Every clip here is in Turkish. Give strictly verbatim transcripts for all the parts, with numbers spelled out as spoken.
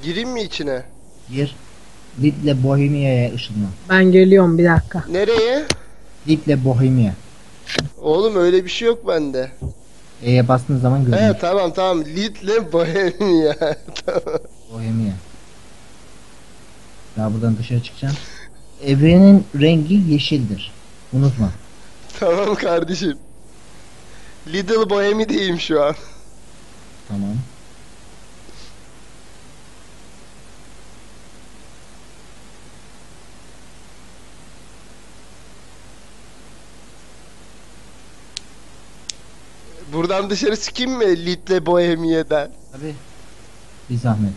Gireyim mi içine? Gir. Lidl Bohemia'ya ışınlan. Ben geliyorum bir dakika. Nereye? Lidl Bohemia. Oğlum öyle bir şey yok bende. E'ye bastığın zaman He görünür. tamam tamam. Lidl Bohemia. Tamam. Bohemia. Daha buradan dışarı çıkacaksın. Evrenin rengi yeşildir. Unutma. Tamam kardeşim. Lidl Bohemia'deyim şu an. Tamam. Buradan dışarı çıkayım mı Lidl Bohemia'dan? Tabii. Bir zahmet.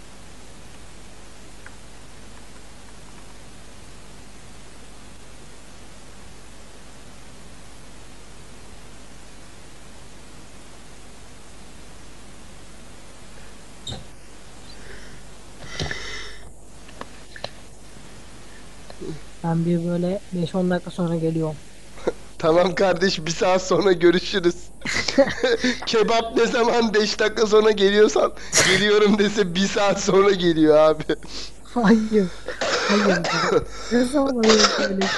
Ben bir böyle beş on dakika sonra geliyorum. Tamam kardeş, bir saat sonra görüşürüz. Kebap ne zaman beş dakika sonra geliyorsan geliyorum dese bir saat sonra geliyor abi. Hayır. Hayır. Ne zaman öyle söyle.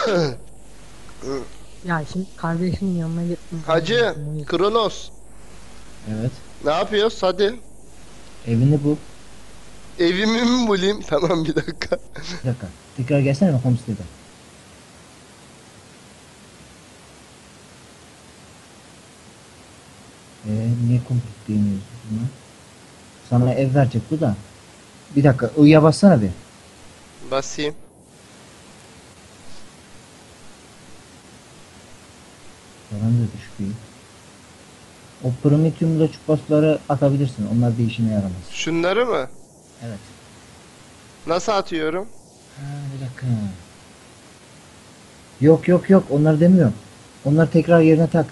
Ya şimdi kardeşimin yanına gittim. Hacı, Kronos, Evet. ne yapıyoruz hadi. Evini bul. Evimi mi bulayım? Tamam bir dakika. Bir dakika. Tekrar gelsene mi homestead'e? Eee niye komplik diyemiyoruz buna? Sana ev verecek bu da. Bir dakika I'ya bassana bir. Basayım. Yalan da düşük değil. O Prometheum loçupasları atabilirsin. Onlar bir işine yaramaz. Şunları mı? Evet. Nasıl atıyorum? Ha, bir dakika. Yok yok yok onları demiyorum. Onları tekrar yerine tak.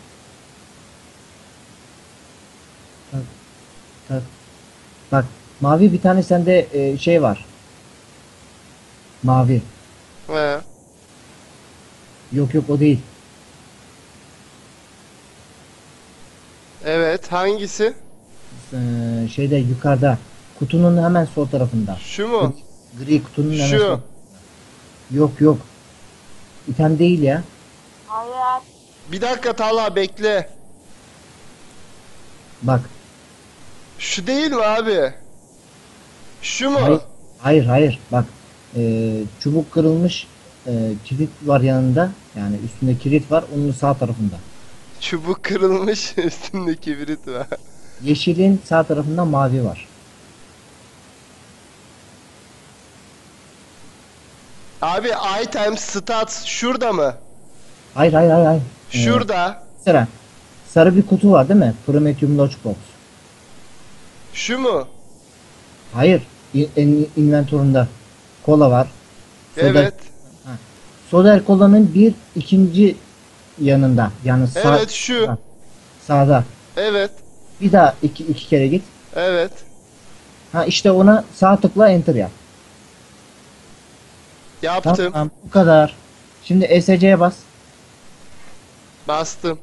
Tak. Tak. Bak mavi bir tane sende e, şey var. Mavi. He. Yok yok o değil. Evet, hangisi? Ee, şeyde yukarıda. Kutunun hemen sol tarafında. Şu mu? Gri, gri kutunun hemen Şu. sol. Yok yok. İtem değil ya. Bir dakika Talha, bekle. Bak. Şu değil mi abi? Şu mu? Hayır. Hayır hayır. Bak. Ee, çubuk kırılmış. E, kilit var yanında. Yani üstünde kilit var. Onun sağ tarafında. Çubuk kırılmış, üstünde kibrit var. Yeşilin sağ tarafında mavi var. Abi item stats şurada mı? Hayır hayır hayır. hayır. Ee, Şurada. Sıra. Sarı bir kutu var değil mi? Prometheum Lockbox. Şu mu? Hayır. İ- En inventöründe kola var. Soda, Evet. Soda kolanın bir ikinci yanında. Yani sağ, Evet şu. ha, sağda. Evet. Bir daha iki, iki kere git. Evet. Ha işte ona sağ tıkla enter yap. Yaptım. Tamam bu kadar. Şimdi E S C'ye bas. Bastım.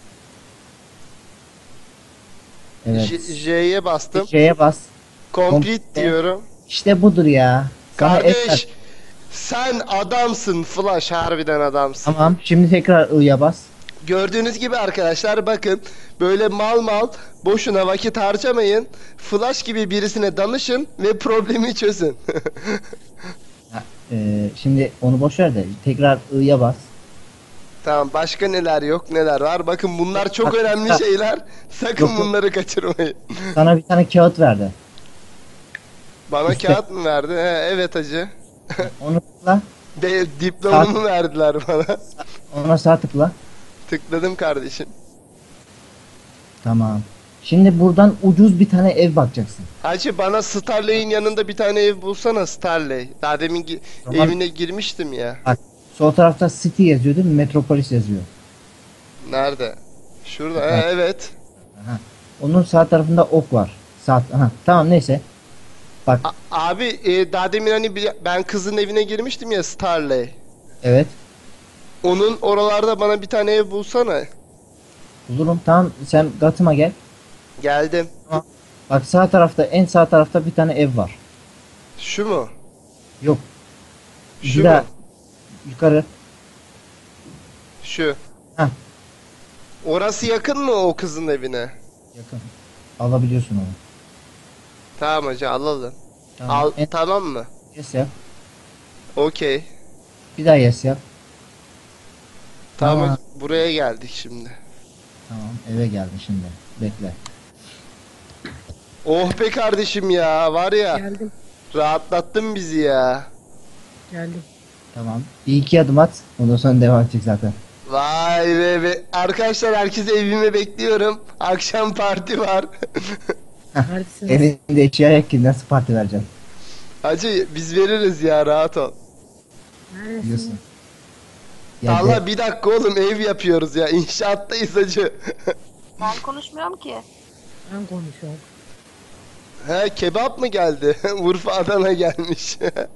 Evet. J- J'ye bastım. J'ye bas. Complete Complete. diyorum. İşte budur ya. Sana F ver. Kardeş, sen adamsın Flash, harbiden adamsın. Tamam. Şimdi tekrar I'ya bas. Gördüğünüz gibi arkadaşlar, bakın böyle mal mal boşuna vakit harcamayın. Flash gibi birisine danışın ve problemi çözün. Ha, e, şimdi onu boş ver de tekrar I'ya bas. Tamam, başka neler yok neler var, bakın bunlar çok Bak, önemli ha. şeyler, sakın Yok, yok. bunları kaçırmayın. Sana bir tane kağıt verdi. Bana İşte. kağıt mı verdi? He, evet hacı. Onu tıkla. De, diplomamı Saat- verdiler bana. Ona sağ tıkla. Tıkladım kardeşim. Tamam. Şimdi buradan ucuz bir tane ev bakacaksın. Hacı, bana Starley'in yanında bir tane ev bulsana, Starley. Daha demin gi- Tamam. evine girmiştim ya. Bak sol tarafta City yazıyor değil mi? Metropolis yazıyor. Nerede? Şurada. Bak. He, evet. Aha. Onun sağ tarafında ok var. Sağ. Aha. Tamam neyse. Bak. A- abi e, daha demin hani bir- ben kızın evine girmiştim ya, Starley. Evet. Onun oralarda bana bir tane ev bulsana. Bulurum. Tamam sen Gatım'a gel. Geldim. Bak sağ tarafta en sağ tarafta bir tane ev var. Şu mu? Yok. Şu Bir daha mu? yukarı. Şu. Heh. Orası yakın mı o kızın evine? Yakın. Alabiliyorsun onu. Tamam hacı alalım. Tamam. Al En tamam mı? yes yap. Okey. Bir daha yes yap. Tamam Tamam. hacı, buraya geldik şimdi. Tamam. Eve geldi şimdi. Bekle. Oh be kardeşim ya var ya Geldim. rahatlattın bizi ya. Geldim. Tamam. Bir iki adım at. Ondan sonra devam edecek zaten. Vay be, be. Arkadaşlar herkesi evime bekliyorum. Akşam parti var. Neredesiniz? Evinde eşya yok ki nasıl parti vereceksin? Hacı biz veririz ya rahat ol. Neredesiniz? Biliyorsun. Ya Allah de- bir dakika oğlum ev yapıyoruz ya. İnşaattayız hacı. Ben konuşmuyorum ki. Ben konuşuyorum. He kebap mı geldi? Urfa Adana gelmiş.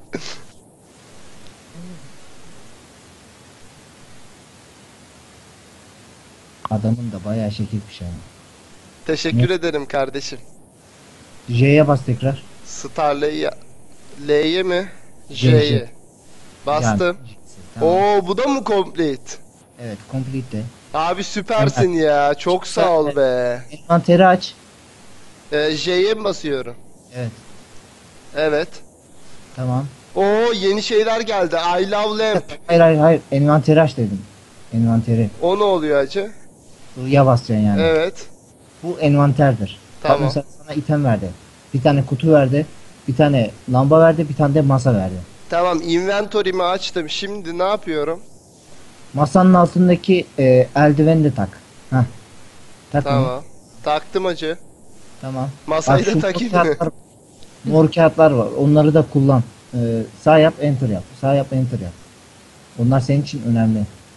adamın da bayağı şekilmiş yani. Teşekkür Ne? ederim kardeşim. J'ye bas tekrar. Star'la'yı L'ye mi? J, J'ye. J. Bastım. Yani, tamam. Oo bu da mı complete? Evet, complete de. Abi süpersin ya. Çok sağ ol be. Envanteri aç. Ee, J'ye mi basıyorum? Evet, Evet. tamam. Oo yeni şeyler geldi. I love lamp. Hayır hayır hayır, envanteri aç dedim. Envanteri. O ne oluyor hacı? I'ya basacaksın yani. Evet. Bu envanterdir. Bak Tamam. mesela sana item verdi. Bir tane kutu verdi. Bir tane lamba verdi. Bir tane de masa verdi. Tamam inventory'mi açtım. Şimdi ne yapıyorum? Masanın altındaki e, eldiveni de tak. Heh. Tak onu. Tamam. Taktım hacı. Tamam. Masayı Bak, şu da takayım mor mı? kağıtlar, mor kağıtlar var. Onları da kullan. Ee, sağ yap, enter yap. Sağ yap, enter yap. Onlar senin için önemli.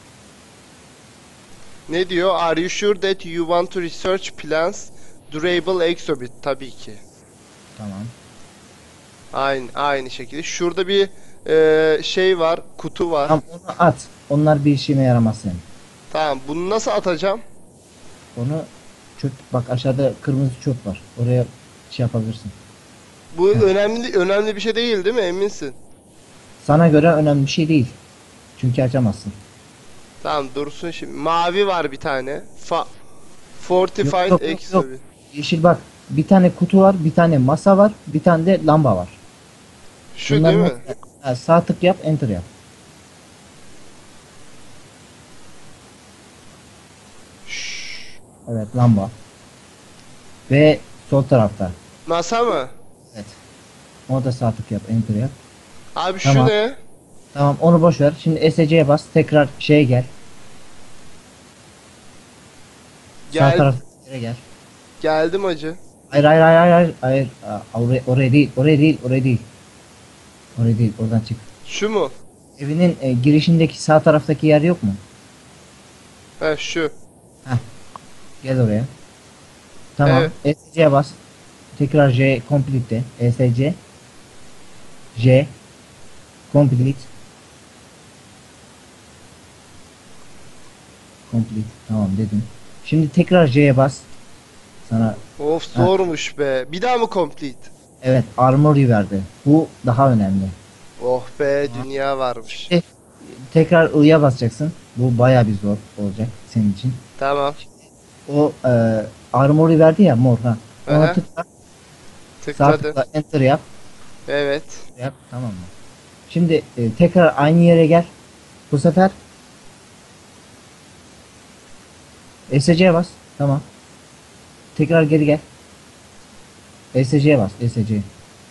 Ne diyor? Are you sure that you want to research plans durable exhibit? Tabii ki. Tamam. Aynı aynı şekilde. Şurada bir e, şey var, kutu var. Tamam, onu at. Onlar bir işine yaramaz senin. Tamam, bunu nasıl atacağım? Onu çöp, bak aşağıda kırmızı çöp var. Oraya şey yapabilirsin. Bu önemli önemli bir şey değil, değil mi? Eminsin. Sana göre önemli bir şey değil. Çünkü açamazsın. Tamam, dursun şimdi. Mavi var bir tane. Fa Fortified Yok, yok, yok, exhibit. yok. Yeşil bak. Bir tane kutu var, bir tane masa var, bir tane de lamba var. Şu Bunların değil mi? hepsi- Ha, sağ tık yap, enter yap. Şşş. Evet, lamba. Ve sol tarafta. Masa mı? Evet. O da sağ tık yap, enter yap. Abi şu Tamam. ne? Tamam, onu boş ver. Şimdi S C'ye bas. Tekrar şeye gel. Sağ Gel taraf yere gel. geldim hacı. Hayır hayır hayır hayır hayır. hayır. Aa, oraya, oraya değil. Oraya değil. Oraya değil. Oraya değil. Oradan çık. Şu mu? Evinin e, girişindeki sağ taraftaki yer yok mu? He şu. Gel oraya. Tamam. Evet. S C'ye bas. Tekrar J complete de. S C. J complete. Complete. Tamam dedim. Şimdi tekrar J'ye bas. Sana Of zormuş be. Bir daha mı complete? evet armory verdi. Bu daha önemli. Oh be dünya varmış. E, tekrar I'ya basacaksın. Bu baya bir zor olacak senin için. Tamam. O e, armory verdi ya mor ha. Ona Aha. tıkla. Sağ Tıkladım. tıkla enter yap. Evet. Yap tamam mı? Şimdi e, tekrar aynı yere gel. Bu sefer S C'ye bas. Tamam. Tekrar geri gel. S C'ye bas. S C.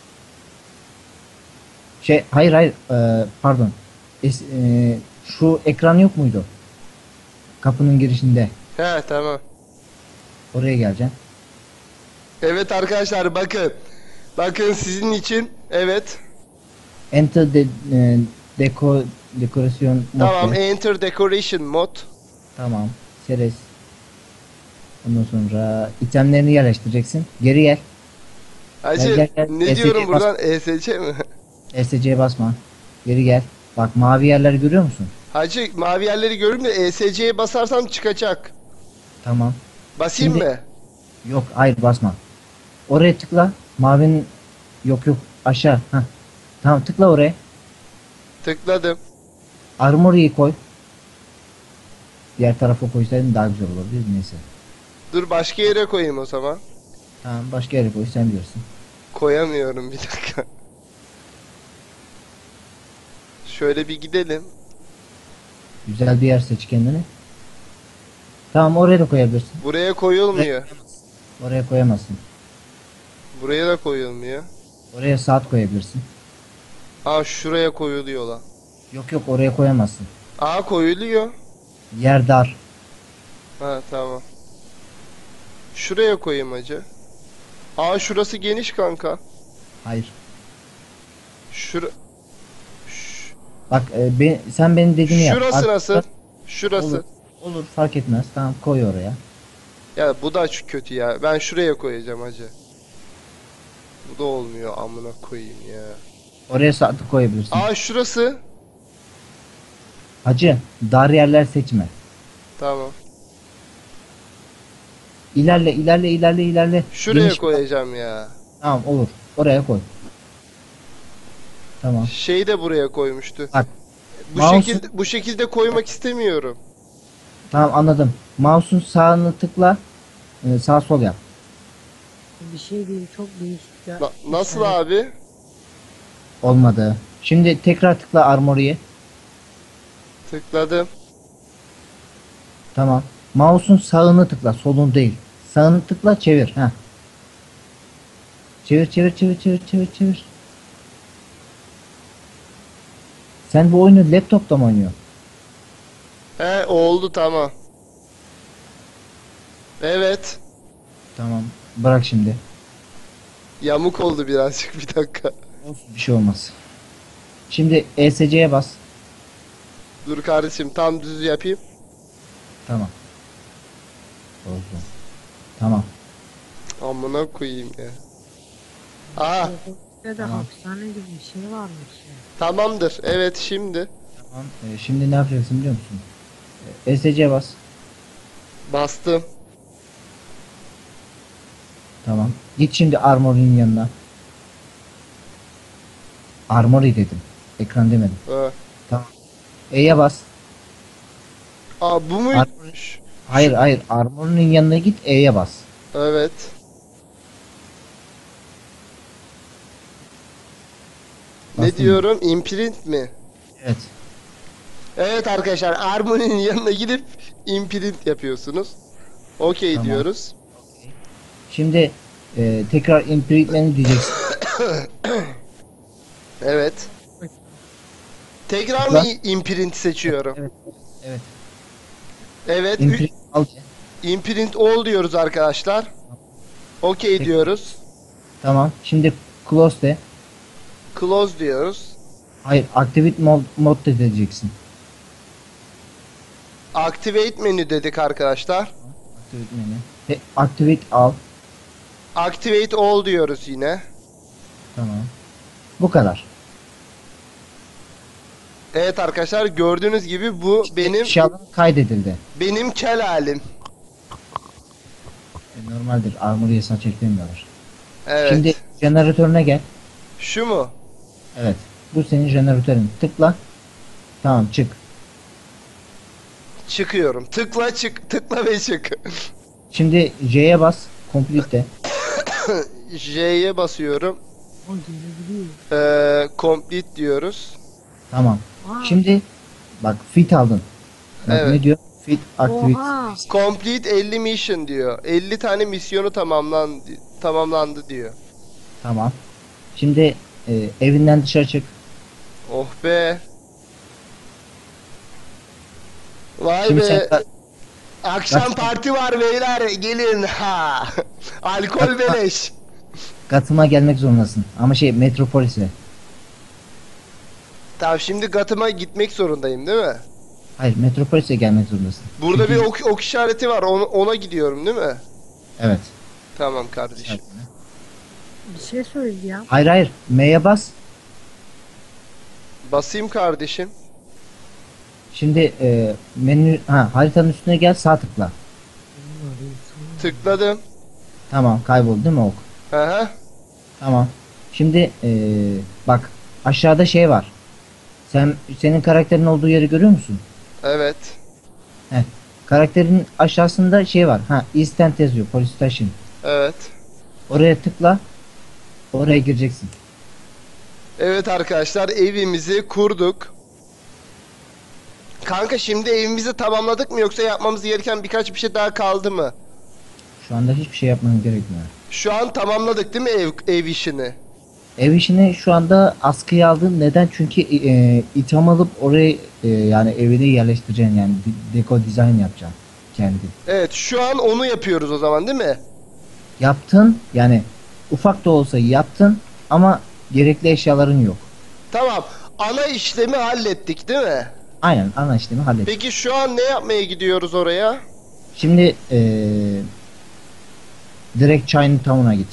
Şey hayır hayır e, pardon. S, e, şu ekran yok muydu? Kapının girişinde. He tamam. Oraya geleceksin. Evet arkadaşlar bakın. Bakın sizin için. Evet. Enter de, e, deko dekorasyon mod Tamam. de. Enter decoration mod. Tamam. Seres. Ondan sonra itemlerini yerleştireceksin. Geri gel. Hacı Gel, gel, gel. ne E S C diyorum bas. buradan? E S C mi? S C'ye basma. Geri gel. Bak mavi yerleri görüyor musun? Hacı mavi yerleri görürüm de E S C'ye basarsam çıkacak. Tamam. Basayım Şimdi- mı? Yok hayır basma. Oraya tıkla. Mavinin yok yok aşağı. Heh. Tamam, tıkla oraya. Tıkladım. Armory'yi koy. Diğer tarafa koysaydın daha güzel olurdu. Neyse. Dur başka yere koyayım o zaman. Tamam, başka yere koy, sen bilirsin. Koyamıyorum bir dakika. Şöyle bir gidelim. Güzel bir yer seç kendine. Tamam, oraya da koyabilirsin. Buraya koyulmuyor. Oraya koyamazsın. Buraya da koyulmuyor. Oraya saat koyabilirsin. Aa şuraya koyuluyor lan. Yok yok, oraya koyamazsın. Aa koyuluyor. Yer dar. Ha tamam. Şuraya koyayım hacı. Aa şurası geniş kanka. Hayır. Şura... Ş- Bak e, be- sen benim dediğimi yap. Şurası Artık- nasıl? Şurası. Olur. Olur, fark etmez. Tamam, koy oraya. Ya bu da şu kötü ya. Ben şuraya koyacağım hacı. Bu da olmuyor amına koyayım ya. Oraya saat koyabilirsin. Aa şurası. Hacı, dar yerler seçme. Tamam. İlerle ilerle ilerle ilerle. Şuraya Geniş- koyacağım ya. Tamam, olur. Oraya koy. Tamam. Şey de buraya koymuştu. Bak. Bu Mouse'u- şekilde bu şekilde koymak istemiyorum. Tamam, anladım. Mouse'un sağını tıkla. e, Sağ sol yap. Bir şey değil, çok değişik ya. Na- nasıl Yani abi? Olmadı. Şimdi tekrar tıkla Armory'ye. Tıkladım. Tamam. Mouse'un sağını tıkla, solun değil. Sağını tıkla, çevir. Heh. Çevir çevir çevir çevir çevir çevir. Sen bu oyunu laptopta mı oynuyorsun? He oldu tamam. Evet. Tamam. Bırak şimdi. Yamuk oldu birazcık bir dakika. Bir şey olmaz. Şimdi E S C'ye bas. Dur kardeşim tam düz yapayım. Tamam. Oldu. Tamam. Amına koyayım ya. Aha Burada da Tamam. hapishane gibi bir şey varmış ya. tamamdır. Evet şimdi. Tamam. Ee, şimdi ne yapacaksın biliyor musun? Ee, E S C'ye bas. Bastım. Tamam. Git şimdi Armory'nin yanına. Armory dedim. Ekran demedim. Ha. Tamam. E'ye bas. Aa bu muymuş? Hayır hayır. Armory'nin yanına git, E'ye bas. Evet. Ne Bastın mı? diyorum? Imprint mi? Evet. Evet arkadaşlar Armoni'nin yanına gidip imprint yapıyorsunuz. Okey Tamam. diyoruz. Şimdi e, tekrar imprint menü diyeceksin. Evet. Tekrar Tıkla. mı i- imprint seçiyorum? Evet. Evet. Evet. ü- Imprint al. Imprint all diyoruz arkadaşlar. Okey Peki. diyoruz. Tamam. Şimdi close de. Close diyoruz. Hayır, activate mod, mod de diyeceksin. Activate menü dedik arkadaşlar. Activate menü. Ve activate al. Activate all diyoruz yine. Tamam. Bu kadar. Evet arkadaşlar gördüğünüz gibi bu benim Eşyaların kaydedildi. benim kel halim. E, normaldir. Armory'ye saç eklemiyorlar. Evet. Şimdi jeneratörüne gel. Şu mu? Evet. Bu senin jeneratörün. Tıkla. Tamam, çık. Çıkıyorum. Tıkla çık, tıkla ve çık. Şimdi J'ye bas. Complete de. J'ye basıyorum. O gelebiliyor. Ee, complete diyoruz. Tamam. Aa, Şimdi bak, fit aldın. Bak, Evet. ne diyor? Fit activate. Oha. Complete elli mission diyor. elli tane misyonu tamamlandı tamamlandı diyor. Tamam. Şimdi e, evinden dışarı çık. Oh be. Vay Şimdi be. sen Akşam Kaç- parti var beyler. Gelin ha. Alkol beleş. Gatıma gelmek zorundasın. Ama şey, Metropolis'e. Tamam şimdi Gatım'a gitmek zorundayım değil mi? Hayır, Metropolis'e gelmek zorundasın. Burada Çünkü- bir ok, ok işareti var. Ona, ona gidiyorum değil mi? Evet. Tamam kardeşim. Bir şey söyleyeceğim. Hayır hayır. M'ye bas. Basayım kardeşim. Şimdi e, menü ha haritanın üstüne gel, sağ tıkla. Tıkladım. Tamam, kayboldu değil mi ok? Hı hı. Tamam. Şimdi e, bak, aşağıda şey var. Sen senin karakterin olduğu yeri görüyor musun? Evet. Heh. Karakterin aşağısında şey var. Ha, East End yazıyor. Police Station. Evet. Oraya tıkla. Oraya gireceksin. Evet arkadaşlar, evimizi kurduk. Kanka şimdi evimizi tamamladık mı, yoksa yapmamız gereken birkaç bir şey daha kaldı mı? Şu anda hiçbir şey yapmanın gerekmiyor. Şu an tamamladık değil mi ev, ev işini? Ev işini şu anda askıya aldın. Neden? Çünkü e, itham alıp oraya e, yani evine yerleştireceksin, yani bir deko dizayn yapacaksın kendi. Evet, şu an onu yapıyoruz o zaman değil mi? Yaptın, yani ufak da olsa yaptın ama gerekli eşyaların yok. Tamam. Ana işlemi hallettik değil mi? Aynen, ana işlemi hallet. Peki şu an ne yapmaya gidiyoruz oraya? Şimdi e, direkt Chinatown'a git.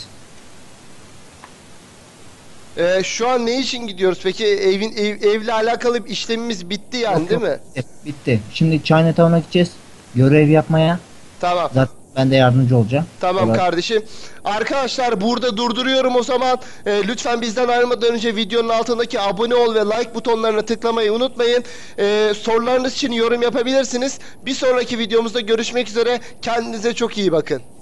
Ee, şu an ne için gidiyoruz? Peki evin ev, evle alakalı bir işlemimiz bitti yani Yok, değil yok, mi? bitti, bitti. Şimdi Chinatown'a gideceğiz. Görev yapmaya. Tamam. Zaten ben de yardımcı olacağım. Tamam Olay- kardeşim. Arkadaşlar burada durduruyorum o zaman. Ee, lütfen bizden ayrılmadan önce videonun altındaki abone ol ve like butonlarına tıklamayı unutmayın. Ee, sorularınız için yorum yapabilirsiniz. Bir sonraki videomuzda görüşmek üzere. Kendinize çok iyi bakın.